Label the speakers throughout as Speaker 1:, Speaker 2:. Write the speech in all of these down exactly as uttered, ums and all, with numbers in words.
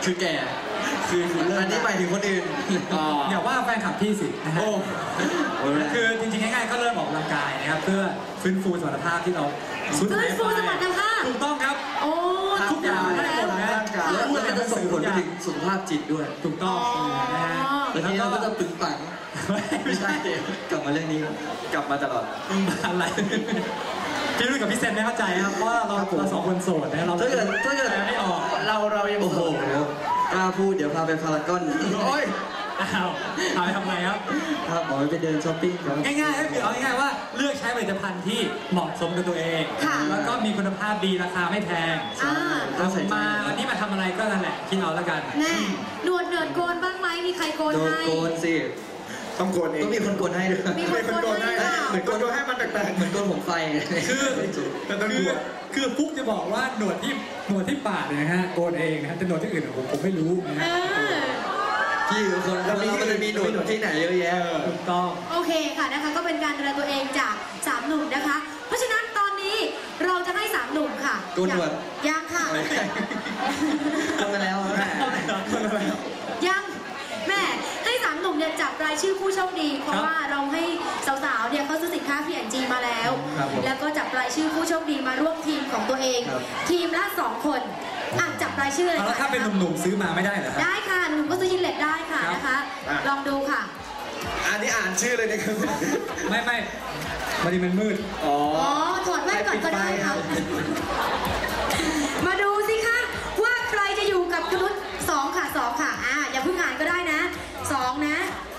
Speaker 1: คือแก่คืออันนี้หมายถึงคนอื่น
Speaker 2: อย่าว่าแฟนคลับพี่สินะฮะคือจริงๆง่ายๆก็เริ่มออกกำลังกายนะครับเพื่อฟื้นฟูสมรรถภาพที่เรา
Speaker 3: ฟื้นฟูสมรรถภาพ
Speaker 2: ถูกต้องครับ
Speaker 3: โอ้
Speaker 2: ทุกอย่างทั้งหมดนะ
Speaker 1: แล้วมันจะส่งผลไปถึงสุขภาพจิตด้วย
Speaker 2: ถูกต้องนะฮะ
Speaker 1: แล้วทีนี้เราก็จะปึงปังไม่ใช่กลับมาเรื่องนี้กลับมาตลอด
Speaker 2: อะไรพี่รุ่ยกับพี่เซนไม่เข้าใจครับเพราะเราเราสองคนโสดนะเรา
Speaker 1: ถ้าเกิดถ้าเกิด
Speaker 2: ไม่ออก
Speaker 1: เราเรายังโอ้โหกล้าพูดเดี๋ยวพาไปพารากอนโอ้ย
Speaker 2: อ้าวพาไปทำไงครับ
Speaker 1: ครับบอกไปเดินช้อปปิ้งครับ
Speaker 2: ง่ายๆคือเอาง่ายๆว่าเลือกใช้ผลิตภัณฑ์ที่เหมาะสมกับตัวเองแล้วก็มีคุณภาพดีราคาไม่แพงเรามาวันนี้มาทำอะไรก็นั่นแหละคิดเอาแล้วกัน
Speaker 3: แน่หนวดเนิร์ดโกนบ้างไหมมีใครโกนให้
Speaker 1: โกนสิ
Speaker 4: ต้องโกนเอง
Speaker 1: ต้องมีคนโกนให้ด้วย
Speaker 3: มีคนโกนให้
Speaker 4: เหมือนโกนให้มันแปลกๆ
Speaker 1: เหมือนโกนผมไฟ
Speaker 2: คือคือคือฟุ๊กจะบอกว่าหนวดที่หนวดที่ปากเนี่ยนะฮะโกนเองนะฮะแต่หนวดที่อื่นผมผมไม่รู้นะฮะ
Speaker 1: ที่คนเรามันจะมีหนวดที่ไหนเยอะแยะ
Speaker 2: ถูกต้อง
Speaker 3: โอเคค่ะนะคะก็เป็นการดูแลตัวเองจากสามหนุ่มนะคะเพราะฉะนั้นตอนนี้เราจะให้สามหนุ่มค่ะ
Speaker 1: โกนหนวด
Speaker 3: ยังค่ะ
Speaker 1: โกนไปแล้ว
Speaker 3: ยังแม่ให้สามหนุ่มเนี่ยจับรายชื่อผู้โชคดีเพราะว่าเราให้สาวๆเนี่ยเขาซื้อสินค้า พี แอนด์ จี มาแล้วแล้วก็จับรายชื่อผู้โชคดีมาร่วมทีมของตัวเองทีมละสองคนอ่ะจับรายชื่อเลย
Speaker 2: ค่ะถ้าเป็นหนุ่มๆซื้อมาไม่ได้เหรอ
Speaker 3: ได้ค่ะหนุ่มก็ซื้อยินเล็ตได้ค่ะนะคะลองดูค่ะ
Speaker 4: อันนี้อ่านชื่อเลยนะครับ
Speaker 2: ไม่ไม่มันดีมันมืด
Speaker 3: อ๋อถอดแว่นก่อนก็ได้ค่ะมาดูสิคะว่าใครจะอยู่กับคุณนุชสองค่ะสองค่ะอ่าอย่าเพิ่งอ่านก็ได้นะสองนะ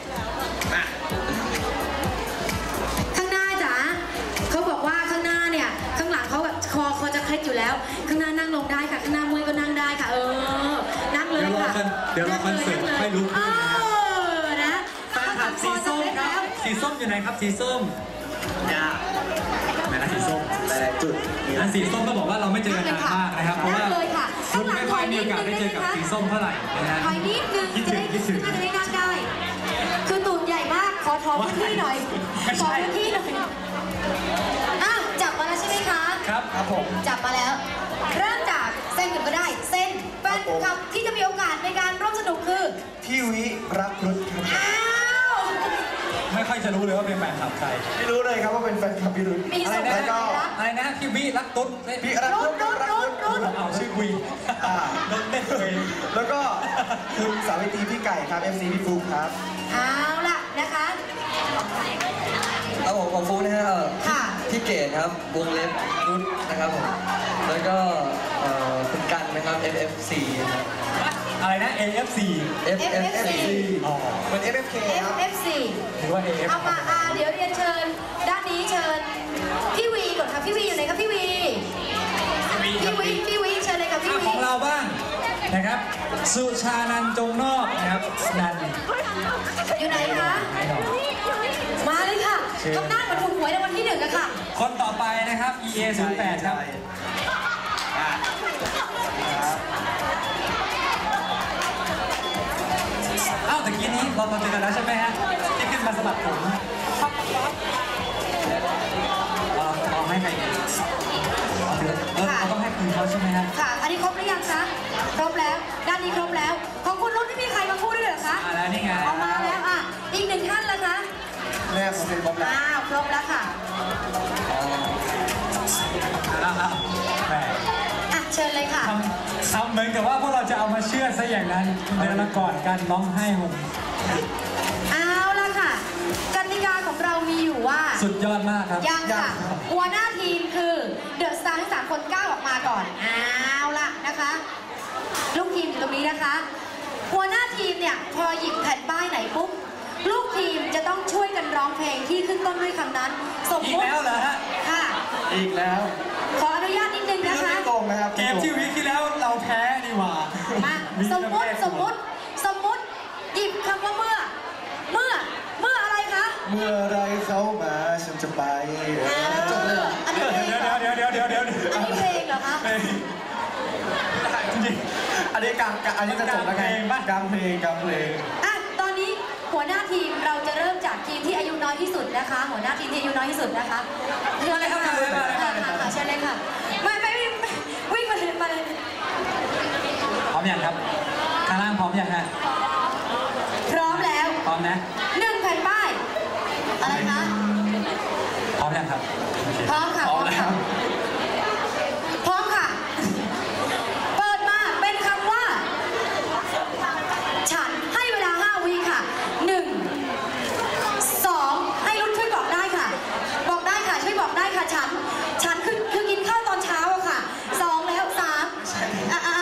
Speaker 3: ข้างหน้าจ๋าเขาบอกว่าข้างหน้าเนี่ยข้างหลังเขาแบบคอเขาจะเคล็ดอยู่แล้วข้างหน้านั่งลงได้ค่ะข้างหน้ามือก็นั่งได้ค่ะเออนั่งเลยค่ะ
Speaker 2: เดี๋ยวเราคอนเสิร์ตไม่รู้
Speaker 3: เออนะ
Speaker 2: แฟนคลับสีส้มครับสีส้มอยู่ไหนครับสีส้มเนี่ยไหนนะสีส้ม
Speaker 1: แต่จุด
Speaker 2: อันสีส้มก็บอกว่าเราไม่เจอกันนานมากนะครับเพราะว่าคุณไม่ค่อยมีโอกาสได้เจอกับสีส้มเท่าไหร่นะฮะ
Speaker 3: ถอยนิดนึงจะได้น่าจะได้นั่งได้คือตูดใหญ่มากขอทอพื้นที่หน่อยขอพื้นที่หน่อยอ้าวจับมาแล้วใช่ไหมคะ
Speaker 2: ครับครับผม
Speaker 3: จับมาแล้วเริ่มจากเส้นกันก็ได้เส้นแฟนคลับที่จะมีโอกาสในการร่วมสนุกคือ
Speaker 4: พี่วิรักรุดครับ
Speaker 3: อ้าว
Speaker 2: ไม่ค่อยจะรู้เลยว่าเป็นแฟนคลับใคร
Speaker 4: ไม่รู้เลยครับว่าเป็นแฟนคลับพี่รุด
Speaker 2: อะไรนะอะไรนะพี่วิรักตุ๊ด
Speaker 4: พี่รักรุด
Speaker 3: รุดรุดรุด
Speaker 2: เอาชื่อวี
Speaker 4: รุดเล่นเลยแล้วก็คุณสาวิตรีพี่ไก่ครับ เอฟ ซี พี่ฟุ๊กครับ
Speaker 3: เอาล่ะนะคะ
Speaker 1: เอาผมของฟุ๊กนะฮะพี่เกดครับวงเล็บรุดนะครับผมแล้วก็คุณกันนะครับ เอฟ เอฟ ซี
Speaker 2: อะไรนะ เอ เอฟ ซี
Speaker 1: เอฟ เอฟ ซี
Speaker 2: อ๋อ
Speaker 4: เป็น เอฟ เอฟ เค ครับ
Speaker 3: เอฟ เอฟ ซี
Speaker 2: หรือว่า เอ เอฟ
Speaker 3: เอามาอ่าเดี๋ยวเรียนเชิญด้านนี้เชิญพี่วีก่อนค่ะพี่วีอยู่ไหนครับพี่วีพี่วีพี่วีเชิญเลยค่ะพี่วี
Speaker 2: ของเราบ้างนะครับสุชานันจงนอกนะครับนัน
Speaker 3: อยู่ไหนคะมาเลยค่ะทำหน้าเหมือนถูกหวยในวันที่หนึ่งอะค่ะ
Speaker 2: คนต่อไปนะครับ อี เอ ศูนย์แปดครับอ้าวตะกี้นี้เรามาเจอกันแล้วใช่ไหมฮะที่ขึ้นมาสมัครผมเอาให้ใครเออเราต้องให้คุณเขาใช่ไหมครับ
Speaker 3: ค่ะอันนี้ครบหรือยังคะครบแล้วด้านนี้ครบแล้วของคุณรุ่นที่มีใครมาพูดด้วยเหรอคะ
Speaker 2: มาแล้วนี่ไง
Speaker 3: เอามาแล้วอ่ะอีกหนึ่งท่านละคะ
Speaker 4: แม่ผมเป็นครบแล้ว
Speaker 3: อ้าวครบแล้วค่ะ
Speaker 2: แล้วครับแหม
Speaker 3: อ่ะเชิญเลยค่ะ
Speaker 2: ทำเหมือนกับว่าพวกเราจะเอามาเชื่อซะอย่างนั้นเดินมาก่อนกันร้องไห้ผม
Speaker 3: เอาละค่ะกติกาของเรามีอยู่ว่า
Speaker 2: สุดยอดมากครับ
Speaker 3: ยังค่ะหัวหน้าทีมคือเดอะสตาร์ทั้งสามคนก้าวออกมาก่อนเอาละนะคะลูกทีมอยู่ตรงนี้นะคะหัวหน้าทีมเนี่ยพอหยิบแผ่นป้ายไหนปุ๊บลูกทีมจะต้องช่วยกันร้องเพลงที่ขึ้นต้นด้วยคำนั้น
Speaker 2: สมมติอีกแล้วเหรอฮะ
Speaker 3: ค่ะ
Speaker 4: อีกแล้ว
Speaker 3: ขออนุญาตนิดนึงนะคะ
Speaker 2: เกมที่วิที่แล้วเราแพ้ดีกว่า
Speaker 3: มาสมมติสมมติสมมติหยิบคำว่าเมื่อเมื่อเมื่ออะไรคะ
Speaker 4: เมื่อไรเขามาฉันจะไป
Speaker 3: จบเลยอันนี้เพลงเหรอ
Speaker 2: เดี๋ยวเดี๋ยวเดี๋ยวเดี๋ยว
Speaker 3: อันนี้เพลงเหรอคะ
Speaker 4: จริงอันนี้กลางอันนี้จะจบแล้วไงกลางเพลงกลางเพลง
Speaker 3: อ่ะตอนนี้หัวหน้าทีมเราจะเริ่มจากทีมที่อายุน้อยที่สุดนะคะหัวหน้าทีมที่อายุน้อยที่สุดนะคะ
Speaker 2: เชิญเลยครับเชิญเลย
Speaker 3: ค่ะเชิญเลยค่ะไม่ไม่วิ่งมาเลยมาเลย
Speaker 2: พร้อมยังครับาร่างพร้อมยังฮะ
Speaker 3: พร้อมแล้ว
Speaker 2: พร้อมนะ
Speaker 3: หนึ่งแผ่นป้ายอะไรคะ
Speaker 2: พร้อมยังครับ
Speaker 3: พร้อมค่ะ
Speaker 4: พร้อมแล้ว
Speaker 3: พร้อมค่ะ เปิดมาเป็นคำว่า ฉันให้เวลาห้าวิค่ะหนึ่งสองให้รุ่นช่วยบอกได้ค่ะ บอกได้ค่ะช่วยบอกได้ค่ะฉัน ฉันคือคือกินข้าวตอนเช้าอะค่ะสองแล้วสามอ่ะอ่ะ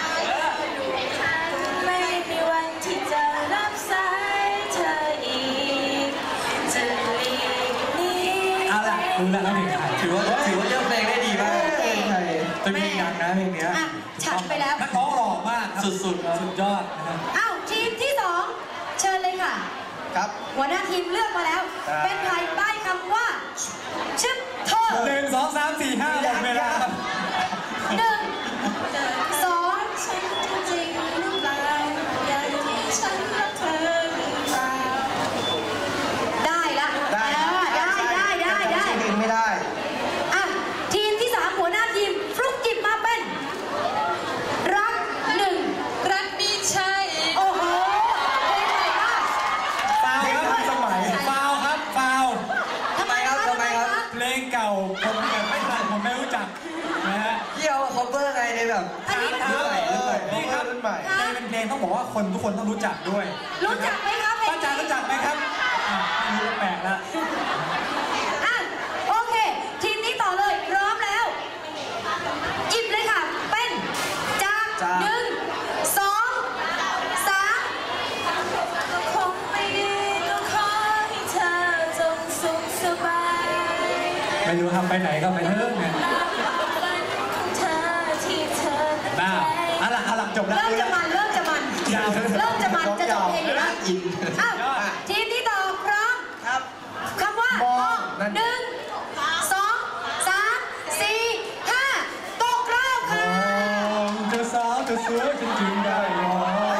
Speaker 5: ไม่มีวันที่จะรับสายเธออีกจะหลีกหนี
Speaker 2: เอาล่ะรู้แล้วแล้วเพลงไทย
Speaker 1: ถือว่าถือว่าเลือกเพลงได้ดีมาก
Speaker 4: เพลงไทยเป็นเพลงดังนะเพลงเนี้ย
Speaker 3: อ่ะฉันไปแล้ว
Speaker 2: นักร้องหล่อมากครับ
Speaker 1: สุดๆ
Speaker 2: สุดยอดนะครับ
Speaker 3: อ้าวทีมที่สองเชิญเลยค่ะ
Speaker 4: ครับ
Speaker 3: หัวหน้าทีมเลือกมาแล้ว
Speaker 4: ครับ
Speaker 3: เป็นใครป้ายคำว่าชึบเธอ
Speaker 2: หนึ่งสองสามสี่ห้าหมดเวลาครับ
Speaker 3: หนึ่งสอง
Speaker 5: ฉันจริงหรือเปล่าอย่างที่ฉันรักเธอหรือเปล่า
Speaker 3: ได้ละ
Speaker 4: ได้
Speaker 3: เออได้ได้ได้ได้
Speaker 4: ชื่อเพลงไม่ได้
Speaker 3: อ่ะทีมที่สามหัวหน้าทีมฟลุกจิบมาเป็น รักหนึ่ง
Speaker 5: รักมีใช่
Speaker 3: โอ้โหเพลงใหม่มาก
Speaker 2: ฟาวครับ
Speaker 4: เพลงทันสมัย
Speaker 2: ฟาวครับฟาว
Speaker 3: ทำไมคะทำไมคะ
Speaker 2: เพลงเก่าผมเนี่ยไม่ทันผมไม่รู้จักนะฮะ
Speaker 1: ที่เอา cover ไงในแบบ
Speaker 3: อันนี้
Speaker 2: ถาม
Speaker 4: รุ่นใหม่รุ่นใหม่
Speaker 2: นี่ครับ
Speaker 4: รุ่นใหม่
Speaker 2: เพลงเป็นเพลงต้องบอกว่าคนทุกคนต้องรู้จักด้วย
Speaker 3: รู้จักไหมคะเพลง
Speaker 2: ป้าจ๋ารู้จักไหมครับอ่ะไม่รู้แปลกละ
Speaker 3: อ่ะโอเค ทีมนี้ต่อเลยพร้อมแล้วหยิบเลยค่ะ เป็นจาก
Speaker 4: จาก
Speaker 3: หนึ่งสองสาม
Speaker 5: ก็คงไม่ดีก็ขอให้เธอจงสุขสบาย
Speaker 2: ไม่รู้ทำไปไหนก็ไปเถอะเนี่ย
Speaker 5: ตามความฝันของเธอที่เธอตั้ง
Speaker 2: บ้า
Speaker 5: ใจ
Speaker 2: อ่ะหลังอ่ะหลังจบแล้ว
Speaker 3: เริ่มจะมันเริ่มจะมัน
Speaker 2: ยาว
Speaker 3: เริ่มจะมันจะจบเพลงอยู่แล้ว
Speaker 1: อิน
Speaker 3: อ้าวทีมที่ต่อพร้อม
Speaker 4: ครับ
Speaker 3: คำว่าม
Speaker 4: องนั่น
Speaker 3: หนึ่งสองสามสี่ห้าตกรอบค่ะ
Speaker 2: เธอสาวเธอสวยจริงๆได้หรอ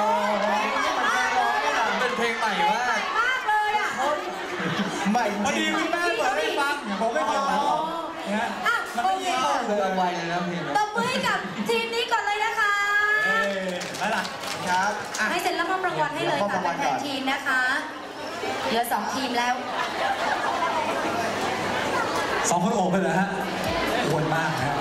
Speaker 1: เป็นเพลงใหม่มาก
Speaker 3: มากเลยอ่ะ
Speaker 4: ใหม่จ
Speaker 2: พอ
Speaker 4: ริ
Speaker 2: ดี
Speaker 4: ง
Speaker 2: คุณแม่เปิดให้ฟังผมไม่เคยฟังหรอกนะฮะ
Speaker 3: อ่ะ
Speaker 2: มัน
Speaker 3: โอ
Speaker 2: ไม่
Speaker 3: เค
Speaker 2: ยาก
Speaker 1: คือเอาไว้เลยนะเพลง
Speaker 3: ตบมือให้กับทีมนี้ก่อนเลยนะคะ
Speaker 2: เอ้ยแล้วล่ะ
Speaker 4: ครับอ่ะ
Speaker 3: ให้เซ็นรับมอบรางวัลให้เลย
Speaker 4: มอบ
Speaker 3: ค่ะ
Speaker 4: รางวัล
Speaker 3: แท
Speaker 4: ก่อน น
Speaker 3: ทีมนะคะเหลือสองทีมแล้ว
Speaker 2: สองคนโอบไปเลยฮะอ้วนมากนะฮะ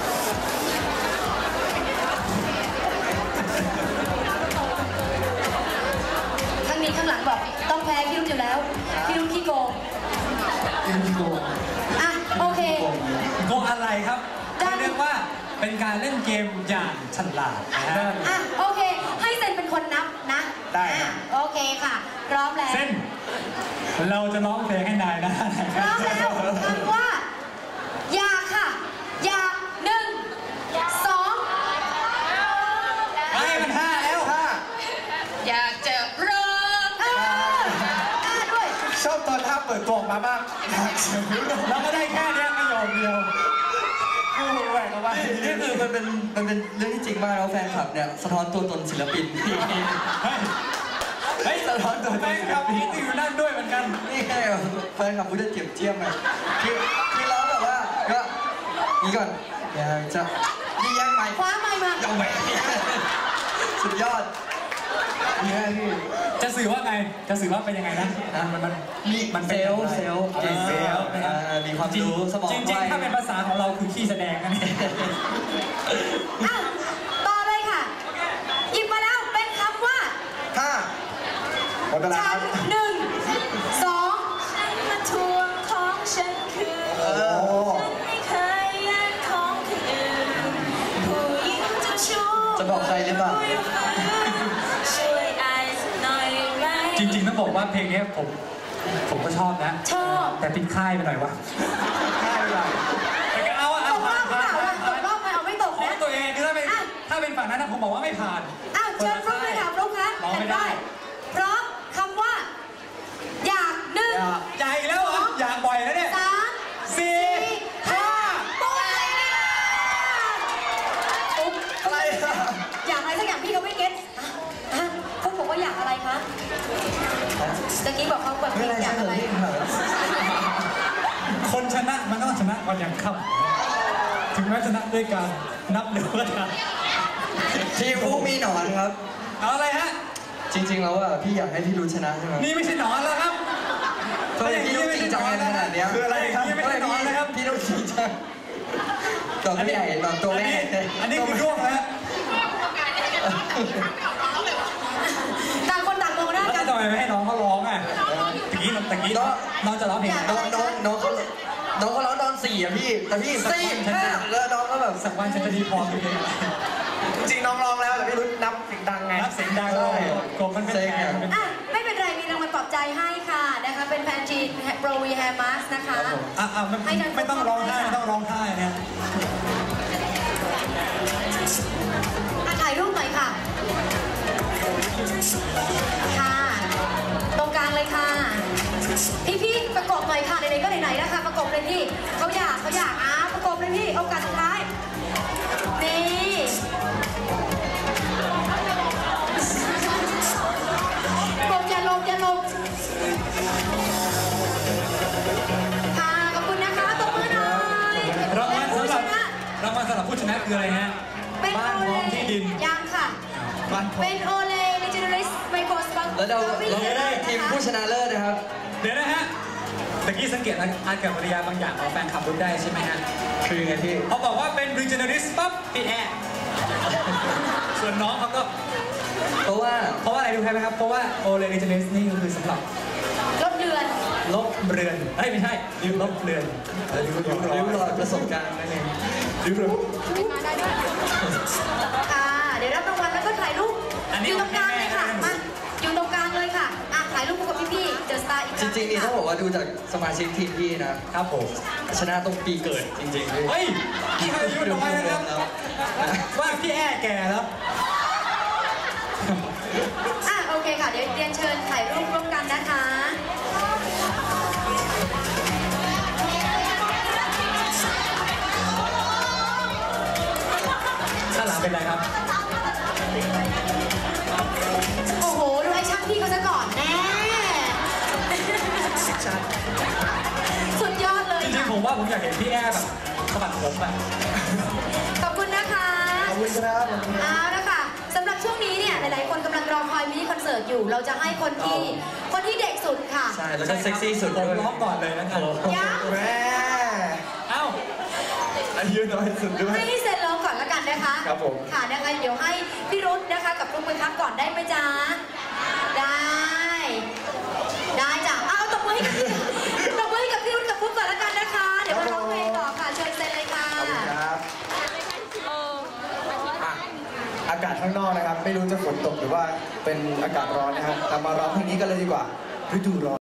Speaker 3: ข้างนี้ข้างหลังบอกต้องแพ้พี่รุ่นอยู่แล้วพี่รุ่นขี้โกง
Speaker 1: พี่โกง
Speaker 3: อ่ะโอเค
Speaker 2: โกงอะไรครับ
Speaker 3: ได้
Speaker 2: เรียกว่าเป็นการเล่นเกมอย่างฉลาดนะฮะ
Speaker 3: อ่ะโอเค ให้เซ็นเป็นคนนับนะ
Speaker 4: ได้ครั
Speaker 3: อ่ะ
Speaker 4: บ
Speaker 3: โอเคค่ะ พร้อมแล้ว
Speaker 2: เส้น เราจะร้องเพลงให้นายนะ
Speaker 3: พร้อมแล้วคำว่า อยากค่ะ อยากหนึ่งสอง
Speaker 2: ไอ้ยมันห้าแล้ว
Speaker 4: ถ้า
Speaker 5: อยากจะร้อง
Speaker 3: เอออ่าด้วย
Speaker 4: ชอบตอนท่าเปิดตัวออกมามากอยากเสียงรู้
Speaker 2: เราก็ได้แค่เนี้ยประโยคเดียว
Speaker 4: กูแหวกออกมา
Speaker 1: นี่คือมันเป็นมันเป็นเรื่องที่จริงมากแล้วแฟนคลับเนี่ยสะท้อนตัวตนศิลปิน
Speaker 2: เฮ้ย เฮ้ย
Speaker 1: สะท้อนตัวต
Speaker 2: แฟ
Speaker 1: น
Speaker 2: น
Speaker 1: ศิ
Speaker 2: ค
Speaker 1: ล
Speaker 2: ลับ
Speaker 1: ปิ
Speaker 2: นี่
Speaker 1: น
Speaker 2: อยู่นั่นด้วยเหมือนกัน
Speaker 1: นี่ไงแฟนคลับพูดจะเจียมเจียมไงคือคือเราแบบว่าก็นี่ก่อนอยากจะนี่ยังไง
Speaker 3: คว้าไมค์มา
Speaker 1: ยังไงสุดยอดเนี่ยพี่
Speaker 2: จะสื่อว่าไง จะสื่อว่าเป็นยังไงนะ
Speaker 1: นะ
Speaker 2: มันมัน
Speaker 1: มี
Speaker 2: มัน
Speaker 1: เซ
Speaker 2: ป็น
Speaker 1: ลล์
Speaker 2: อะไร
Speaker 1: เซลล์เก่ง
Speaker 2: เซ
Speaker 1: เซ
Speaker 2: ล
Speaker 1: ล
Speaker 2: ล์
Speaker 1: ล์
Speaker 2: นะครับ
Speaker 1: อ่ามีความรู้สมอง
Speaker 2: จริง
Speaker 1: ไว
Speaker 2: ๆ ถ้าเป็นภาษาของเราคือขี้แสดงกันนี่
Speaker 3: อ่ะต่อเลยค่ะ หยิบมาแล้วเป็นคำว่า
Speaker 4: ถ้าหมดเวลาค
Speaker 3: ฉั
Speaker 4: รั
Speaker 3: น
Speaker 4: บ
Speaker 3: หนึ่งสอง
Speaker 5: ฉันมาทวงของฉันคืน
Speaker 4: โอ้
Speaker 5: ฉันไม่เคยแย่งของคนอื่นผู้หญิงเจะชู้
Speaker 1: จะบอกใครหรือเปล่า
Speaker 5: ช่วยอายสักหน่อยไหม
Speaker 2: จริงๆต้องบอกว่าเพลงเนี้ยผมผมก็ชอบนะ
Speaker 3: ชอบ
Speaker 2: แต่ปิดค่ายไปหน่อยวะ
Speaker 4: ค่ายอะไร
Speaker 2: แต่ก็เอาอะ
Speaker 3: ต
Speaker 2: เอา
Speaker 3: กร
Speaker 2: ผ่า
Speaker 3: อน บหรือ
Speaker 2: ผ่า
Speaker 3: เป
Speaker 2: น
Speaker 3: ล่า
Speaker 2: ผ่าน
Speaker 3: ล่ะตกรอบไหมเอาไม่ตก
Speaker 2: ของ
Speaker 3: นะ
Speaker 2: ตัวเองคือถ้าเป็น
Speaker 3: อ่ะ
Speaker 2: ถ้าเป็นฝั่งนั้นนะผมบอกว่าไม่ผ่าน
Speaker 3: อ้าวเชิญฟลุ๊กเลยค่ะฟลุ๊กคะ
Speaker 2: ร้องไม่ได้
Speaker 3: พร้อมคำว่า อยากหนึ่ง
Speaker 2: อยากอีกแล้วเหรออยากบ่อยแล้วเนี่ย
Speaker 3: สาม
Speaker 2: สี่ห้า
Speaker 3: หมดเลยนะอุ๊บ
Speaker 4: อะไรอะ
Speaker 3: อยากอะไรสักอย่างพี่เขาไม่เก็ตอ่ะอ่ะฟลุ๊กบอกว่าอยากอะไรคะตะกี้บอกเขาแบบ
Speaker 1: ไม่เป็นไร
Speaker 3: อยาก
Speaker 1: ใช่
Speaker 3: อะไร
Speaker 1: เลยพี่ครับ
Speaker 2: คนชนะมันต้องชนะก่อนอย่างค่ำถึงแม้ชนะด้วยการนับเดือนก็ตาม
Speaker 1: ทีมผู้มีหนอนครับ
Speaker 2: เอาอะไรฮะ
Speaker 1: จริงๆแล้วอ่ะพี่อยากให้พี่รุ้ชนะใช่ไหม
Speaker 2: นี่ไม่ใช่หนอนแล้วครับ
Speaker 1: ทำไมพี่ต้องจริงจังขนาดนี้คืออะไรครับ
Speaker 2: นี่ไม่ใช่หนอนแล้วครับ
Speaker 1: พี่ต้องจริงจังตอนพี่ใหญ่ตอนตัวแม่
Speaker 2: อันนี้คือร่วงแล้ว
Speaker 3: ต่างคนต่างมองหน้ากัน
Speaker 2: ทำไมไม่ให้น้องเขาร้องอ่ะตะกี้ตะกี้น้องจะร้องเพลง
Speaker 1: น้องน้องน้องเขาน้องเขาร้องตอนสี่อ่ะพี่แต่พี่สี่ห้าแล้วน้องก็แบบ
Speaker 2: สักวันฉันจะดีพอเพลง
Speaker 4: จริงน้องร้องแล้วแต่พี่รุ้นับเสียงดังไง
Speaker 2: นับเสียงดังเลยกบมันเป็นแฟน
Speaker 3: อ่ะไม่เป็นไรมีรางวัลปลอบใจให้ค่ะนะคะเป็นแฟนจีนโปรวีแฮร์มาสนะคะ
Speaker 2: อ่ะอ่ะไม่ต้องร้องไห้ไม่ต้องร้องไห้เนี่ย
Speaker 3: ถ่ายรูปหน่อยค่ะค่ะตรงกลางเลยค่ะพี่ๆประกบหน่อยค่ะไหนๆก็ไหนๆนะคะประกบเลยพี่เขาอยากเขาอยากอ่ะประกบเลยพี่โอกาสสุดท้ายนี่ลงอย่าลงอย่าลงค่ะขอบคุณนะคะตบมือหน่อย
Speaker 2: รางวัลสำหรับรางวัลสำหรับผู้ชนะคืออะไรฮะบ้านพร้อมที่ดิน
Speaker 3: ยังค่ะเป็นโอเลในเจเนอเรสไมโครสปัง
Speaker 1: แล้วเราเราได้ทีมผู้ชนะเลิศนะครับ
Speaker 2: เดี๋ยวนะฮะตะกี้สังเกตอาเกิดปริยาบางอย่างของแฟนคลับรู้ได้ใช่ไหมฮะ
Speaker 1: คือไงพี่
Speaker 2: เขาบอกว่าเป็น regenerist ปั๊บพี่แอร์ส่วนน้องเขาก็
Speaker 1: เพราะว่า
Speaker 2: เพราะว่าอะไรรู้ไหมครับเพราะว่าโอเล regenerist นี่คือสำหรับ
Speaker 3: ลบเรือน
Speaker 2: ลบเรือนเฮ้ยไม่ใช่ริ้วลบเรือน
Speaker 1: ริ้วรอยริ้วรอยประสบการณ์นั่นเอง
Speaker 2: ริ้วรอย
Speaker 3: ค่ะเดี๋ยวรับรางวัลแล้วก็ถ่ายรูปอยู่ตรงกลางเลยค่ะมาอยู่ตรงกลางเลยค่ะอ่ะถ่ายรูปกับพี่ๆเดอะสตาร์อีก
Speaker 1: จริงๆนี่ต้องบอกว่าดูจากสมาชิกทีมพี่นะครับ
Speaker 2: ผม
Speaker 1: ชนะตรงปีเกิดจริงๆ
Speaker 2: เฮ้ยพี่เคยอายุน้อยนะครับว่าพี่แอร์แก่แล้ว
Speaker 3: อ่ะโอเคค่ะเดี๋ยวเรียนเชิญถ่ายรูปร่วมกันนะคะ
Speaker 2: ข้างหลังเป็นไรครับ
Speaker 3: โอ้โหดูไอ้ช่างพี่เขาซะก่อนแน่สุดยอดเลย
Speaker 2: จริงๆผมว่าผมอยากเห็นพี่แอร์แบบสะบัดผมอ่ะ
Speaker 3: ขอบคุณนะคะ
Speaker 4: ขอบคุณครับ
Speaker 3: เอาละค่ะสำหรับช่วงนี้เนี่ยหลายๆคนกำลังรอคอยมินิคอนเสิร์ตอยู่เราจะให้คนที่คนที่เด็กสุดค่ะ
Speaker 1: ใช่แล้วก็เซ็กซี่สุด
Speaker 2: ผมร้องก่อนเลยนะครับ
Speaker 3: ยัง
Speaker 4: แม่
Speaker 2: เอ้า
Speaker 4: อายุน้อยสุดด้วย
Speaker 3: ให้เซ็นร้องก่อนละกันนะคะ
Speaker 4: ครับผม
Speaker 3: ค่ะนะคะเดี๋ยวให้พี่รุ้นะคะกับลุงมือพักก่อนได้ไหมจ๊ะได้ได้จ้ะเอาตบมือให้กับพี่ตบมือให้กับพี่รุ้กับปุ๊บก่อนละกันนะคะเดี๋ยวมาร้องเพลงต่อค่ะเชิญเซ็นเลยค่ะ
Speaker 4: ขอบคุณครับอากาศข้างนอกนะครับไม่รู้จะฝนตกหรือว่าเป็นอากาศร้อนนะครับแต่มาร้องเพลงนี้กันเลยดีกว่าฤดูร้อน